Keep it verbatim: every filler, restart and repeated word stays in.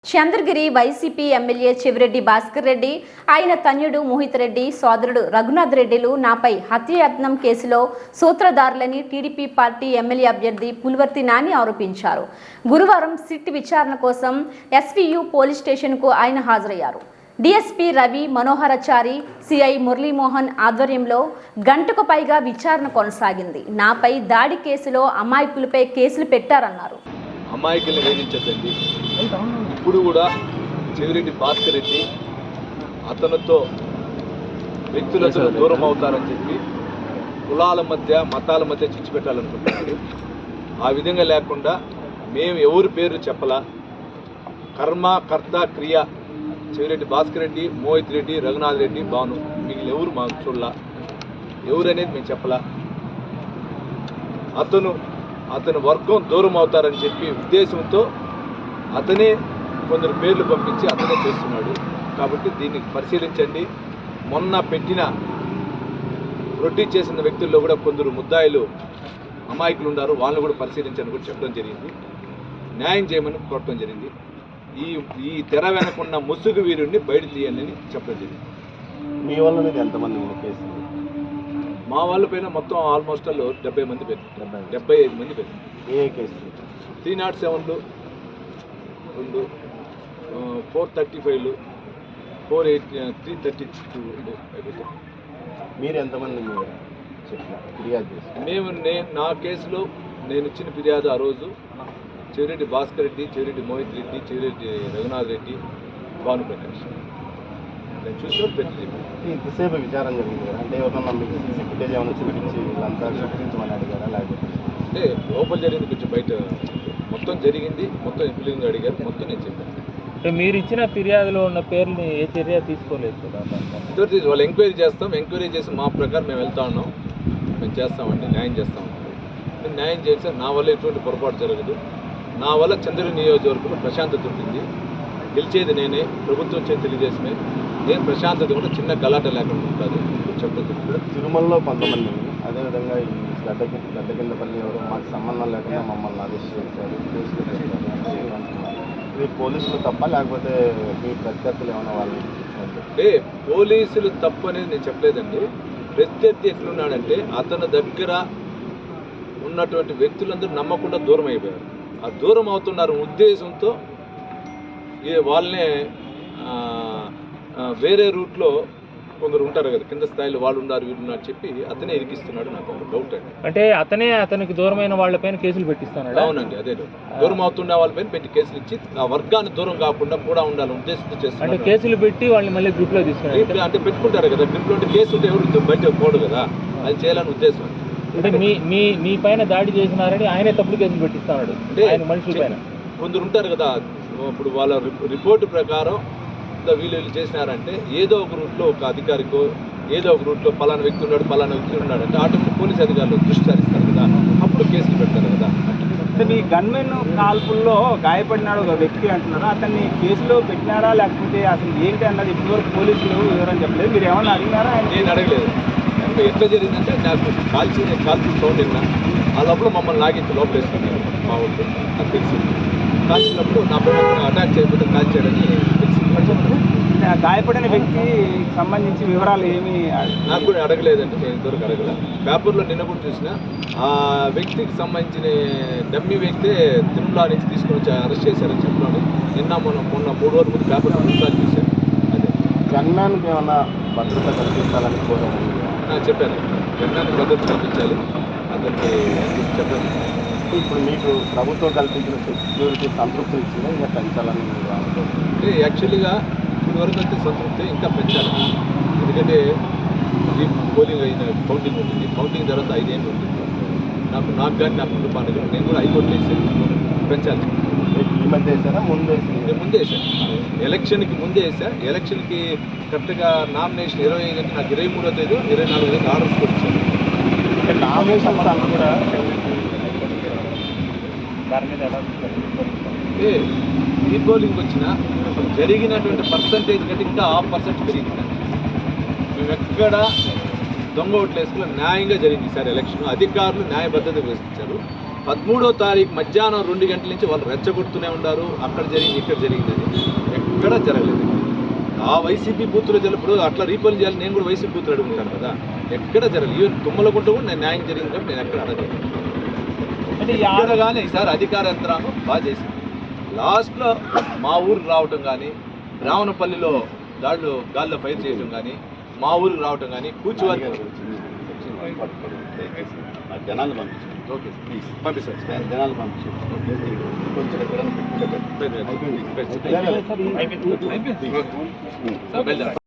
Chandragiri YCP MLA Chevireddy Bhaskar Reddy, ఆయన తన్యుడు మోహిత్ రెడ్డి, సోదరుడు రఘునాథ్ రెడ్డిలు నాపై హత్యాయత్నం కేసులో సూత్రధారులని టీడీపీ పార్టీ ఎమ్మెల్యే అభ్యర్థి పులివర్తి నాని ఆరోపించారు. గురువారం సిట్ విచారణ కోసం ఎస్వీయు పోలీస్ స్టేషన్కు ఆయన హాజరయ్యారు. డీఎస్పీ రవి మనోహరాచారి, సిఐ మురళీమోహన్ ఆధ్వర్యంలో గంటకు పైగా విచారణ కొనసాగింది. నాపై దాడి కేసులో అమాయకులపై కేసులు పెట్టారన్నారు. అమాయకుల్ని వేధించద్దండి. ఇప్పుడు కూడా చెవిరెడ్డి భాస్కర్ రెడ్డి అతనితో వ్యక్తులతో దూరం అవుతారని చెప్పి కులాల మధ్య మతాల మధ్య చిచ్చు పెట్టాలనుకుంటున్నాడు. ఆ విధంగా లేకుండా మేము ఎవరి పేరు చెప్పలా, కర్మ కర్త క్రియ చెవిరెడ్డి భాస్కర్ రెడ్డి, మోహిత్ రెడ్డి, రఘునాథ్ రెడ్డి, భాను, మిగిలిన ఎవరు మాకు చూడలా, ఎవరు అనేది మేము చెప్పలా. అతను అతని వర్గం దూరం అవుతారని చెప్పి ఉద్దేశంతో అతనే కొందరు పేర్లు పంపించి అతనే చేస్తున్నాడు. కాబట్టి దీన్ని పరిశీలించండి. మొన్న పెట్టిన రొట్టి చేసిన వ్యక్తుల్లో కూడా కొందరు ముద్దాయిలు అమాయకులు ఉన్నారు, వాళ్ళని కూడా పరిశీలించని కూడా చెప్పడం జరిగింది. న్యాయం చేయమని కోరటం జరిగింది. ఈ ఈ తెర వెనకున్న ముసుగు వీరుడిని బయట తీయండి అని చెప్పడం జరిగింది. మీ వల్ల ఎంతమంది కేసు? మా వాళ్ళ పైన మొత్తం ఆల్మోస్ట్ వాళ్ళు డెబ్బై మంది పేరు డెబ్బై ఐదు మంది పేరు. ఏ కేసు? త్రీ నాట్ సెవెన్లు రెండు, ఫోర్ థర్టీ ఫైవ్లు, four eight three thirty two. మీరు ఎంతమంది మీరు చెప్పినారు ఫిర్యాదు చేసి? మేము నేను నా కేసులో నేను ఇచ్చిన ఫిర్యాదు ఆ రోజు చెవిరెడ్డి భాస్కర్ రెడ్డి, చెవిరెడ్డి మోహిత్ రెడ్డి, చెవిరెడ్డి రఘునాథ్ రెడ్డి, భానుప్రకాష్ నేను చూసినట్టు పెట్టి ఇంతసేపు విచారం జరిగింది కదా, అంటే ఎవరన్నా మీకు సీసీ ఫుటేజ్ ఏమైనా చూపించి వీళ్ళంతా చూపించమని అడిగారా? లేకపోతే అంటే లోపల జరిగింది, కొంచెం బయట మొత్తం జరిగింది, మొత్తం ఇంప్లింగ్ అడిగారు, మొత్తం నేను చెప్పాను. అంటే మీరు ఇచ్చిన ఫిర్యాదులో ఉన్న పేర్లని ఏ చర్య తీసుకోలేదు కదా? ఇద్దరు వాళ్ళు ఎంక్వైరీ చేస్తాం, ఎంక్వైరీ చేసి మా ప్రకారం మేము వెళ్తా ఉన్నాం, మేము చేస్తామండి, న్యాయం చేస్తాం. నేను న్యాయం చేస్తే నా వల్ల ఎటువంటి పొరపాటు జరగదు. నా వల్ల చంద్రగిరి నియోజకవర్గంలో ప్రశాంతత ఉంటుంది. గెలిచేది నేనే, ప్రభుత్వం వచ్చేది తెలుగుదేశమే. నేను ప్రశాంతత కూడా చిన్న గలాట లేకుండా ఉంటుంది చెప్పదు. తిరుమలలో కొంతమంది, అదేవిధంగా ఈ గడ్డ గడ్డ కిందపల్లి ఎవరు మాకు సంబంధం లేకుండా మమ్మల్ని అరెస్ట్ చేశారు, కేసులు పెట్టారు అంటున్నారు. ఇది పోలీసులు తప్ప లేకపోతే మీ ప్రత్యర్థులు ఏమైనా వాళ్ళు? అంటే పోలీసులు తప్పు అనేది నేను చెప్పలేదండి. ప్రత్యర్థి ఎట్లున్నాడంటే అతని దగ్గర ఉన్నటువంటి వ్యక్తులందరూ నమ్మకుండా దూరం అయిపోయారు. ఆ దూరం అవుతున్నారు ఉద్దేశంతో వాళ్ళనే వేరే రూట్లో కొందరు ఉంటారు కదా, కింద స్థాయిలో వాళ్ళు ఉన్నారు వీళ్ళు ఉన్నారు చెప్పి అతనే ఇరికిస్తున్నాడు. నాకు డౌట్ అండి. అంటే అతనే అతనికి దూరమైన వాళ్ళపైన కేసులు పెట్టిస్తున్నాడు? అవునండి, అదే డౌట్. దూరం అవుతున్న వాళ్ళపైన పెట్టి కేసులు ఇచ్చి ఆ వర్గాన్ని దూరం కాకుండా కూడా ఉండాలని ఉద్దేశంతో చేస్తున్నారు. అంటే కేసులు పెట్టి వాళ్ళని మళ్ళీ గ్రూప్లో తీసుకున్నారు. అంటే పెట్టుకుంటారు కదా, గ్రూప్లో ఉంటే కేసు ఉంటే ఎవరు బయట పోడు కదా, అది చేయాలని ఉద్దేశం. అంటే మీ మీ మీ పైన దాడి చేసినారని ఆయనే తప్పుడు కేసులు పెట్టిస్తున్నాడు ఆయన మనుషుల పైన. కొందరు ఉంటారు కదా, ఇప్పుడు వాళ్ళ రిపోర్టు ప్రకారం వీళ్ళు వీళ్ళు చేసినారంటే ఏదో ఒక రూట్లో ఒక అధికారికో ఏదో ఒక రూట్లో పలానా వ్యక్తి ఉన్నాడు పలానా వ్యక్తి ఉన్నాడు అంటే ఆటోమేటిక్ పోలీస్ అధికారులు దృష్టి సారిస్తారు కదా, అప్పుడు కేసులు పెడతారు కదా. మీ గన్మెన్ కాల్పుల్లో గాయపడినాడు ఒక వ్యక్తి అంటున్నారు, అతన్ని కేసులో పెట్టినారా లేకపోతే అసలు ఏంటి అన్నది ఇప్పటివరకు పోలీసులు వివరం చెప్పలేదు. మీరు ఏమన్నా అడిగినారా? నేను అడగలేదు. అంటే ఎట్లా జరిగిందంటే నాకు కాల్చి కాల్చి సౌండ్ విన్నా, ఆ లోపల మమ్మల్ని లాగించి లోపల వేసుకున్నారు మా ఊళ్ళో. నాకు తెలిసింది కాల్చినప్పుడు నా పైన అటాక్ చేయకపోతే కాల్చాడని తెలిసింది. గాయపడిన వ్యక్తికి సంబంధించి వివరాలు ఏమి నాకు కూడా అడగలేదండి, నేను ఇంతవరకు అడగలేదు. పేపర్లో నిన్న కూడా చూసిన ఆ వ్యక్తికి సంబంధించిన డమ్మీ వ్యక్తే తిరుమల నుంచి తీసుకొని వచ్చి అరెస్ట్ చేశారని చెప్పాను. నిన్న మొన్న మొన్న మూడు రోజుల ముందు పేపర్లో రెండుసార్లు చూశాను. అదే గన్మ్యాన్కి ఏమన్నా భద్రత కల్పించాలని కోరాను చెప్పాను. గన్మ్యాన్కి భద్రత కల్పించాలి అతనికి చెప్పాను. ఇప్పుడు మీకు ప్రభుత్వం కల్పించిన సెక్యూరిటీ సంతృప్తి ఇచ్చిందా ఇంకా పెంచాలని మీరు అనుకుంటున్నారు? యాక్చువల్గా ఇప్పుడు వరకు అయితే సంతృప్తి ఇంకా పెంచాలి. ఎందుకంటే ఈ పోలింగ్ అయిన కౌంటింగ్ ఉంటుంది, కౌంటింగ్ తర్వాత ఐదేళ్ళు ఉంటుంది. నాకు నాకు కానీ నా కుటుంబానికి కానీ నేను కూడా ఐదు ఓట్లు వేసాను, పెంచాలి. ఈ మధ్య వేసారా ముందు వేసి? నేను ముందే వేసాను, ఎలక్షన్కి ముందే వేసా. ఎలక్షన్కి కరెక్ట్గా నామినేషన్ ఇరవై ఐదు అంటే నాకు ఇరవై మూడో తేదీ ఇరవై నాలుగో తేదీ ఆర్డర్స్ కూడా ఇచ్చాను. అంటే నామినేషన్ కూడా దాని మీద ఎలా అంటే ఈ పోలింగ్ వచ్చిన జరిగినటువంటి పర్సంటేజ్ కంటే ఇంకా హాఫ్ పర్సెంట్ పెరిగింది. మేము ఎక్కడ దొంగ ఓట్లు వేసుకుని న్యాయంగా జరిగింది ఈసారి ఎలక్షన్. అధికారులు న్యాయబద్ధత వేసించారు. పదమూడో తారీఖు మధ్యాహ్నం రెండు గంటల నుంచి వాళ్ళు రెచ్చగొడుతూనే ఉన్నారు. అక్కడ జరిగింది, ఇక్కడ జరిగిందని ఎక్కడ జరగలేదు. ఆ వైసీపీ బూత్లో జరిగినప్పుడు అట్లా రీపోల్ చేయాలి. నేను కూడా వైసీపీ బూత్లు అడుగుతాను కదా, ఎక్కడ జరగలేదు. ఈవెన్ తుమ్మలగుంట కూడా నేను న్యాయం జరిగింది కాబట్టి నేను ఎక్కడ అడగలేదు. అంటే ఈ ఎక్కడ కానీ ఈసారి అధికార యంత్రాంగం బాగా చేసింది. లాస్ట్లో మా ఊరికి రావటం కానీ, రావణపల్లిలో దాడులు గాల్లో ఫైర్ చేయడం కానీ, మా ఊరికి రావటం కానీ, కూర్చోవాలి. జనాలు పంపించారు. ఓకే ప్లీజ్ పంపిస్తాను. జనాలు పంపించారు. కొంచెం ఎక్కడైనా పెట్టుకుంటే అయిపోయింది.